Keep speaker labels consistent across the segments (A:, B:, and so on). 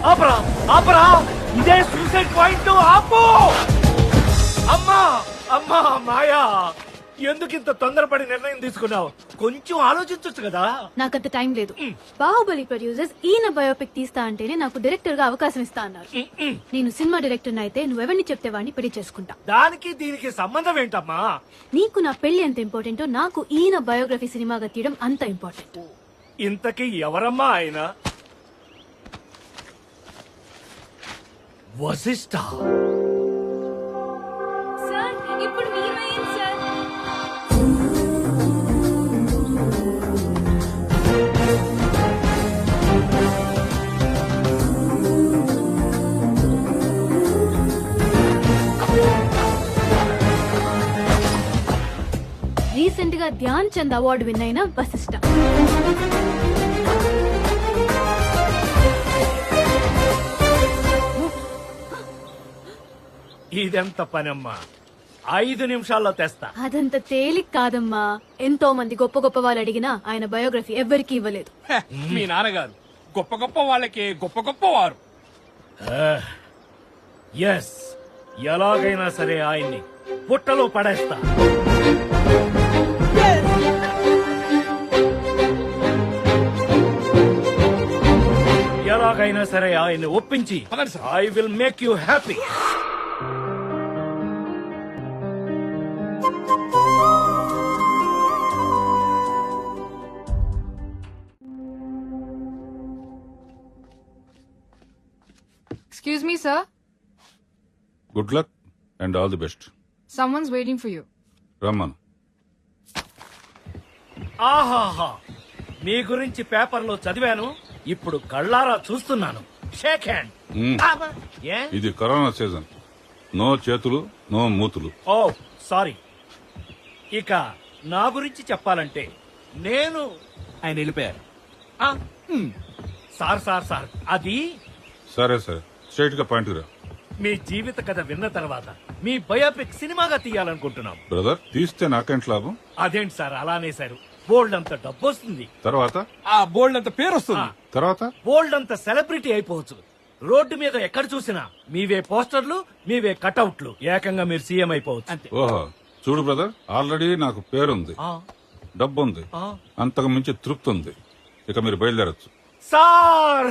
A: ఆపరా ఆపరా, ఇదే suicide point. ఆపు. అమ్మా అమ్మా మాయా, ఎందుకు ఇంత తొందరపడి నిర్ణయం తీసుకున్నావు? కొంచెం ఆలోచించొచ్చు కదా.
B: నాకంత టైం లేదు. బాహుబలి ప్రొడ్యూసర్స్ ఈయన బయోపిక్ తీస్తా అంటేనే నాకు డైరెక్టర్ గా అవకాశం ఇస్తా అన్నారు. నేను సినిమా డైరెక్టర్ అయితే నువ్వెవరిని చెప్తే వాడిని పెళ్లి చేసుకుంటా.
A: దానికి దీనికి సంబంధం ఏంటమ్మా?
B: నీకు నా పెళ్లి ఎంత ఇంపార్టెంటో నాకు ఈయన బయోగ్రఫీ సినిమాగా తీయడం అంత ఇంపార్టెంట్.
A: ఇంతకీ ఎవరమ్మా ఆయన? వశిష్ఠ.
B: సార్ ఇప్పుడు హీరోయిన్ సార్. రీసెంట్ గా ధ్యాన్ చంద్ అవార్డు విన్ అయిన వశిష్ఠ.
A: ఇదెంత పనమ్మా? 5 నిమిషాల్లో తెస్తా.
B: అదంత తేలిక కాదమ్మా. ఎంతో మంది గొప్ప గొప్ప వాళ్ళు అడిగినా ఆయన బయోగ్రఫీ ఎవ్వరికీ ఇవ్వలేదు.
C: మీ నాన్నగారు గొప్ప గొప్ప వాళ్ళకి గొప్ప గొప్ప వారు.
A: ఎస్, ఎలాగైనా సరే ఆయన్ని పుట్టలో పడేస్తా. ఎలాగైనా సరే ఆయన్ని ఒప్పించి I will make you happy.
D: Excuse me, sir.
E: Good luck and all the best.
D: Someone's waiting for you.
E: రమ్మను.
A: ఆహాహా, మీ గురించి పేపర్లో చదివాను, ఇప్పుడు కళ్ళారా చూస్తున్నాను. Shake hand. ఏ?
E: ఇది కరోనా సీజన్. నో చేతులు, నో మూతులు.
A: Oh sorry. ఇక నా గురించి చెప్పాలంటే నేను
C: ఆయన వెళ్ళిపోయారు.
A: ఆ, సార్ సార్ సార్ అది
E: సరే సరే, స్ట్రైట్ గా పాయింట్ రా.
A: మీ జీవిత కథ విన్న తర్వాత మీ బయోపిక్ సినిమాగా తీయాలనుకుంటున్నాం.
E: బ్రదర్, తీస్తే నాకేంటి లాభం?
A: అదేంటి సార్ అలా అనేశారు? బోల్డ్ అంత డబ్బు వస్తుంది,
E: తర్వాత
C: ఆ బోల్డ్ అంత పేరు వస్తుంది.
E: తర్వాత
A: బోల్డ్ అంత సెలబ్రిటీ అయిపోవచ్చు. రోడ్డు మీద ఎక్కడ చూసినా మీవే పోస్టర్లు, మీవే కటౌట్లు. ఏకంగా మీరు సీఎం అయిపోవచ్చు. అంతే.
E: ఓహో, చూడు బ్రదర్, ఆల్రెడీ నాకు పేరుంది,
A: ఆ,
E: డబ్బు ఉంది,
A: ఆ.
E: అంతకు మించి తృప్తి ఉంది. ఇక మీరు బయలుదేరచ్చు.
A: సార్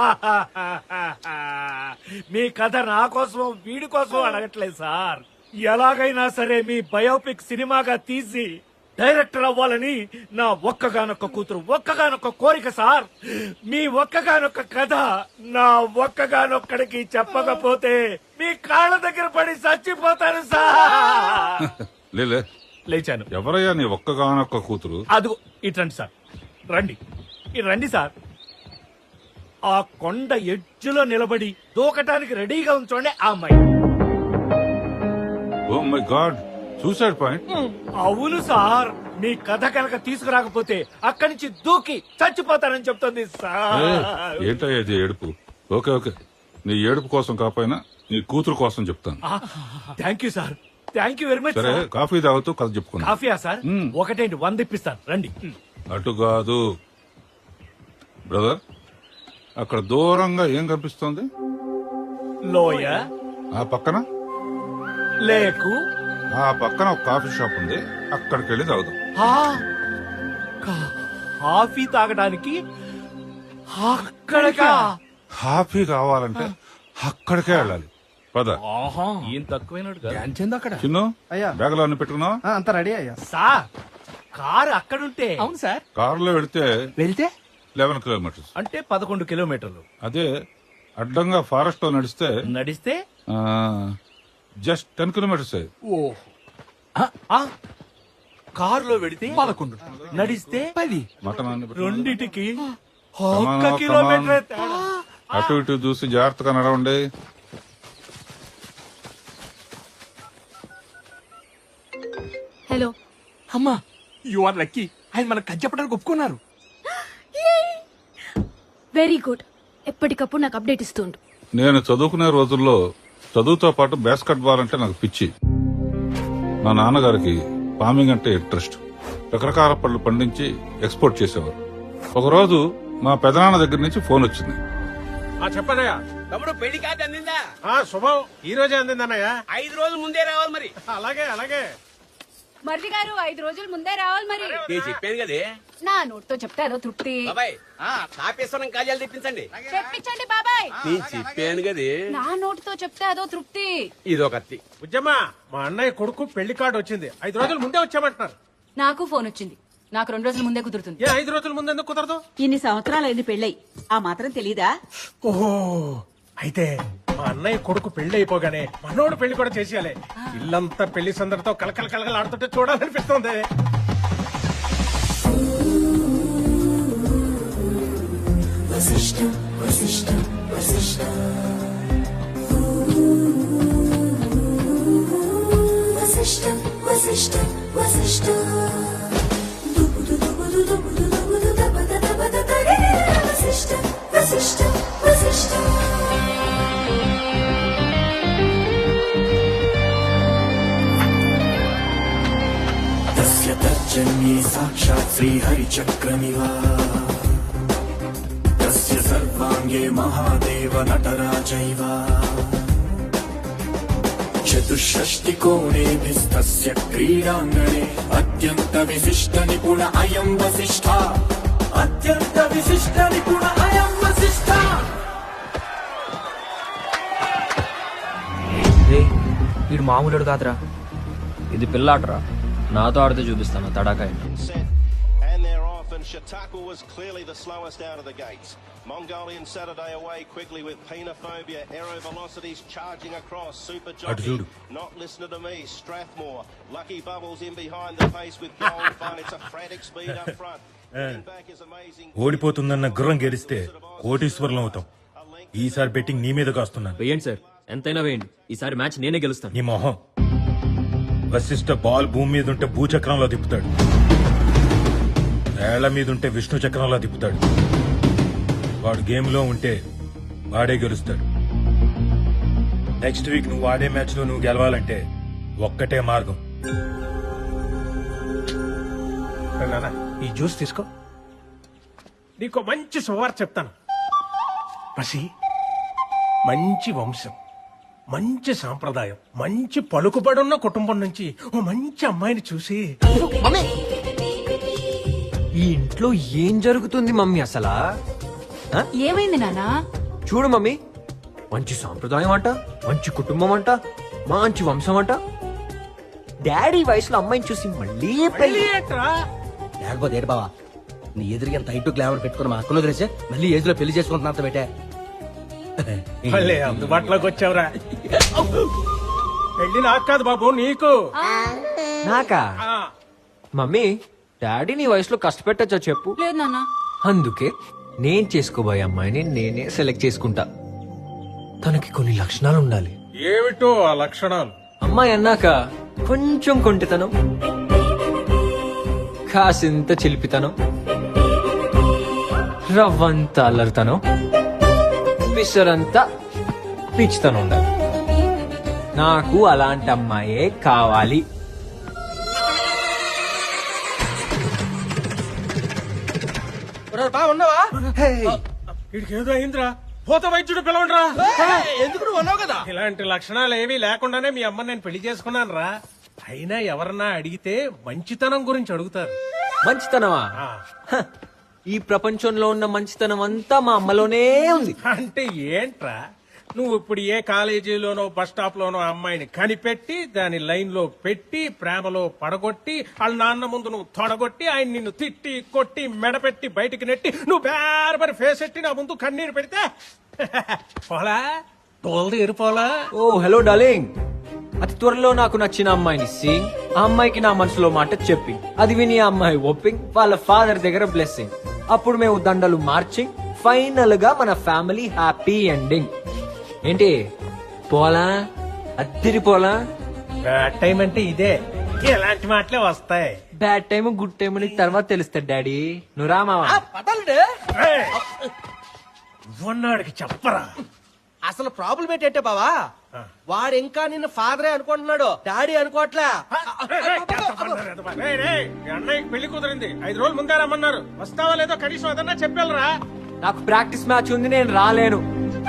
A: మీ కథ నా కోసం వీడి కోసం అడగట్లేదు సార్. ఎలాగైనా సరే మీ బయోపిక్ సినిమాగా తీసి డైరెక్టర్ అవ్వాలని నా ఒక్కగానొక్క కూతురు, ఒక్కగానొక్క కోరిక సార్. మీ ఒక్కగానొక్క కథ నా ఒక్కగానొక్కడికి చెప్పకపోతే మీ కాళ్ళ దగ్గర పడి చచ్చిపోతాను సార్.
E: లేలే,
A: లేచాను.
E: ఎవరయ్యా నీ ఒక్కగానొక్క కూతురు?
A: అదిగో ఇట్రండి సార్, రండి, ఇటు రండి సార్. ఆ కొండ ఎడ్జులో నిలబడి దూకటానికి రెడీగా ఉంచండి ఆ అమ్మాయి.
E: Oh my god, suicide point.
A: అవును సార్, మీ కథ కనుక తీసుకురాకపోతే అక్కడి నుంచి దూకి చచ్చిపోతానని చెప్తుంది సార్.
E: ఏంటయ్యా ఇది ఏడుపు? ఓకే ఓకే, నీ ఏడుపు కోసం కాకపోయినా నీ కూతురు కోసం చెప్తాను.
A: Thank you sir, thank you very much.
E: సరే, కాఫీ తాగుతూ కథ చెప్పుకున్నా.
A: కాఫీయా సార్? ఒకటేంటి 100 ఇప్పిస్తాను, రండి.
E: అటు కాదు బ్రదర్, అక్కడ దూరంగా ఏం కనిపిస్తోంది?
A: లోయ,
E: ఆ పక్కన
A: లేకు,
E: ఆ పక్కన ఒక కాఫీ షాప్ ఉంది, అక్కడికి వెళ్ళి తాగుదాం.
A: కాఫీ తాగడానికి అక్కడికా?
E: కాఫీ కావాలంటే అక్కడికే వెళ్ళాలి. పద.
A: ఏం తక్కువైనడు
C: ధ్యాన్ చంద్ అక్కడ.
E: చిన్ను,
F: అయ్యా.
E: బ్యాగులో అన్ని పెట్టుకున్నావా?
F: అంతా రెడీ అయ్యా.
A: సార్ కారు అక్కడుంటే
C: అవును సార్.
E: కారులో వెళితే
C: వెళ్తే
E: 11 కిలోమీటర్స్,
A: అంటే 11 కిలోమీటర్లు.
E: అదే అడ్డంగా ఫారెస్ట్ లో నడిస్తే
A: నడిస్తే
E: జస్ట్ 10 కిలోమీటర్స్.
A: కారులో వెడితే
C: 11,
A: నడిస్తే
C: 10.
E: మటన్ అన్ని పెట్టు.
A: రెండిటికి
E: Come on,
A: ఒక్క
E: come on.
A: కిలోమీటర్ తేడా.
E: అటు ఇటు చూసి జాగ్రత్తగా నడవండి.
B: హలో.
C: అమ్మా, యు ఆర్ లక్కీ. ఆయన మనకు కథ చెప్పడానికి ఒప్పుకున్నారు.
B: Very good. ఎప్పటికప్పుడు నాకు అప్డేట్ ఇస్తుండు.
E: నేను చదువుకునే రోజుల్లో చదువుతో పాటు బాస్కెట్ బాల్ అంటే నాకు పిచ్చి. మా నాన్నగారికి ఫార్మింగ్ అంటే ఇంట్రెస్ట్. రకరకాల పళ్ళు పండించి ఎక్స్పోర్ట్ చేసేవారు. ఒకరోజు మా పెదనాన్న దగ్గర నుంచి ఫోన్ వచ్చింది.
F: చెప్పనయ్యా.
G: తమ్ముడు పెళ్లి కార్డు అందిందా?
F: శుభం ఈ రోజే అందిందన్నయ్య.
G: 5 రోజుల ముందే రావాలి మరి.
F: అలాగే అలాగే.
H: మరిది గారు 5 రోజుల ముందే రావాలి మరి.
G: నేను చెప్పాను కదే
H: నా నోట్తో చెప్తే అదో తృప్తి.
G: బాబాయ్ తాపేశ్వరం కాజాలు తెప్పించండి.
H: తెప్పించండి బాబాయ్.
G: నేను చెప్పాను కదే
H: నా నోటితో చెప్తే అదో తృప్తి.
G: ఇదొకత్తి.
F: ఉజ్జమ్మా మా అన్నయ్య కొడుకు పెళ్లి కార్డు వచ్చింది. 5 రోజుల ముందే వచ్చామంటున్నారు.
H: నాకు ఫోన్ వచ్చింది. నాకు 2 రోజుల ముందే కుదురుతుంది.
F: 5 రోజుల ముందు ఎందుకు కుదరదు?
I: ఇన్ని సంవత్సరాలైంది పెళ్ళై ఆ మాత్రం తెలీదా?
F: ఓహో అయితే మా అన్నయ్య కొడుకు పెళ్లి అయిపోగానే మనోడు పెళ్లి కూడా చేసేయాలి. ఇల్లంతా పెళ్లి సందడితో కలకల కలకల ఆడుతుంటే చూడాలనిపిస్తుంది.
J: तस्य तर्जन्ये साक्षात् श्रीहरिचक्रमिव तस्य सर्वाङ्गे महादेव नटराजैव चतुष्षष्टिकोणेभिस्तस्य क्रीडाङ्गणे अत्यन्तविशिष्टनिपुण अयम् वसिष्ठा अत्यन्तविशिष्टनिपुण अयम् वसिष्ठा.
K: వీడు మామూలుడు కాదురా, ఇది పిల్లాటరా. నాతో ఆడితే చూపిస్తాను తడాకా.
L: Shataku was clearly the slowest out of the gates. Mongolian Saturday away quickly with Penophobia. Aero velocities charging across. Super Jockey not listening to me. Strathmore. Lucky Bubbles in behind the pace with Gold Fun. It's a frantic speed up front. Back is amazing.
M: ఓడిపోతుందన్న గుర్రం గెలిస్తే కోటీశ్వరులం అవుతాం. ఈసారి betting నీ మీద కాస్తున్నాను.
K: వేయండి sir, ఎంతైనా వేయండి. ఈసారి మ్యాచ్ నేనే గెలుస్తాను.
M: నీ మొహం. వశిష్ఠ బాల్ భూమి మీద ఉంటే భూచక్రంలో తిప్పుతాడు, ఏళ్ల మీద ఉంటే విష్ణు చక్రంలో తిప్పుతాడు. వాడు గేమ్ లో ఉంటే వాడే గెలుస్తాడు. నెక్స్ట్ వీక్ నువ్వు ఆడే మ్యాచ్ లో నువ్వు గెలవాలంటే ఒక్కటే మార్గం.
F: నాన్న ఈ జ్యూస్ తీసుకో. నీకు మంచి శుభవార్త చెప్తాను. పసి మంచి వంశం, మంచి సాంప్రదాయం, మంచి పలుకుబడున్న కుటుంబం నుంచి ఓ మంచి అమ్మాయిని చూసి.
K: ఈ ఇంట్లో ఏం జరుగుతుంది మమ్మీ అసలా?
H: ఏమైంది నానా?
K: చూడు మమ్మీ, మంచి సాంప్రదాయం అంట, మంచి కుటుంబం అంట, మంచి వంశం అంట. డాడీ వయసులో అమ్మాయిని చూసి మళ్ళీ పెళ్లి
G: లేకపోతే ఏంటి బావా, నీ ఎదురుగా ఎంత హైట్ గ్లామర్ పెట్టుకుని మా అక్కలో తెలిసే మళ్ళీ ఏజ్ లో పెళ్లి చేసుకుంటున్నా అంత పెట్టా.
F: మళ్ళీ అందుబాటులోకి వచ్చావురా. పెళ్లి నాకు కాదు బాబు, నీకు.
K: నాకా? మమ్మీ, డాడీ నీ వయసులో కష్టపెట్టచ్చా చెప్పు?
H: లేదు నాన్న.
K: అందుకే నేను చేసుకోబోయే అమ్మాయిని నేనే సెలెక్ట్ చేసుకుంటా. తనకి కొన్ని లక్షణాలు ఉండాలి.
F: ఏమిటో ఆ లక్షణాలు?
K: అమ్మాయి అన్నాక కొంచెం కొంటితనం, కాసింత చిలిపితనం, రవ్వంత అల్లరితనం, పిసరంతా పిచ్చితనం ఉండాలి. నాకు అలాంటి అమ్మాయే కావాలి.
G: ఉన్నావా?
F: వీడికి ఏదో అయిందిరా. పోత వైద్యుడు పిలవండిరా.
G: ఎందుకు నువ్వు అన్నావు కదా.
F: ఇలాంటి లక్షణాలు ఏమీ లేకుండానే మీ అమ్మ నేను పెళ్లి చేసుకున్నాను రా. అయినా ఎవరన్నా అడిగితే మంచితనం గురించి అడుగుతారు.
K: మంచితనమా? హ, ఈ ప్రపంచంలో ఉన్న మంచితనం అంతా మా అమ్మలోనే ఉంది.
F: అంటే ఏంట్రా, నువ్వు ఇప్పుడు ఏ కాలేజీలోనో బస్ స్టాప్ లోనో అమ్మాయిని కనిపెట్టి దాని లైన్ లో పెట్టి ప్రేమలో పడగొట్టి వాళ్ళ నాన్న ముందు నువ్వు తొడగొట్టి ఆయన నిన్ను తిట్టి కొట్టి మెడపెట్టి బయటికి నెట్టి నువ్వు బేరబరి ఫేస్ ఎట్టి నా ముందు కన్నీరు పెడితే పోలా తోలు తీరిపోలా.
K: ఓ హలో డార్లింగ్, అతి త్వరలో నాకు నచ్చిన అమ్మాయిని సింగ్, ఆ అమ్మాయికి నా మనసులో మాట చెప్పి, అది విని ఆ అమ్మాయి ఒప్పింగ్, వాళ్ళ ఫాదర్ దగ్గర బ్లెస్సింగ్, అప్పుడు మేము దండలు మార్చింగ్, ఫైనల్ గా మన ఫ్యామిలీ హ్యాపీ ఎండింగ్. ఏంటి పోలా? అద్దరి పోలా?
F: బ్యాడ్ టైం అంటే ఇదే, ఇలాంటి మాటలే వస్తాయి.
K: బ్యాడ్ టైం గుడ్ టైం అని తర్వాత తెలుస్తాడు డాడీ. నువ్వు రామావా?
F: ఉన్నాడికి చెప్పరా.
G: అసలు ప్రాబ్లం ఏంటంటే బావా, వాడు ఇంకా నిన్ను ఫాదరే అనుకుంటున్నాడు, డాడీ అనుకోవట్లే.
F: అన్నయ్యకి పెళ్లి కుదిరింది, 5 రోజులు ముందే రమ్మన్నారు. వస్తావా లేదో కనీసం అదన్నా చెప్పాలరా.
K: నాకు ప్రాక్టీస్ మ్యాచ్ ఉంది, నేను రాలేను.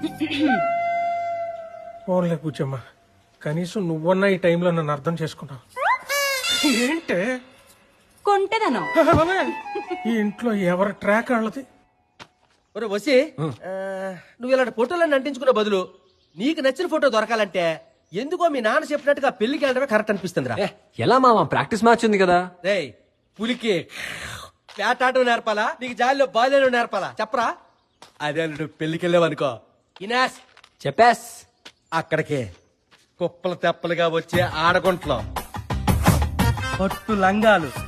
F: ఫోన్లే కూర్చోమ్మా కనీసం నువ్వన్నా ఈ టైంలో నన్ను అర్థం చేసుకున్నావు. ఏంటే
I: కొంటెదనం.
F: ఈ ఇంట్లో ఎవరి ట్రాక్ వాళ్ళది?
G: ఒరే వసి నువ్వు ఇలాంటి ఫోటోలన్నీ అంటించుకునే బదులు నీకు నచ్చిన ఫోటో దొరకాలంటే ఎందుకో మీ నాన్న చెప్పినట్టుగా పెళ్లికి వెళ్ళడమే కరెక్ట్ అనిపిస్తుందిరా.
K: ఎలా మామ ప్రాక్టీస్ మ్యాచ్ ఉంది కదా.
G: రేయ్ పులికి వేటాటం నేర్పాలా నీకు జాలిలో బాల్యం నేర్పాలా చెప్పరా? అదే నువ్వు పెళ్లికి వెళ్ళావనుకో ఇనాస్
K: చెప్పేస్
G: అక్కడికి కుప్పలు తెప్పలుగా వచ్చే ఆడగుంట్లో పట్టు లంగాలు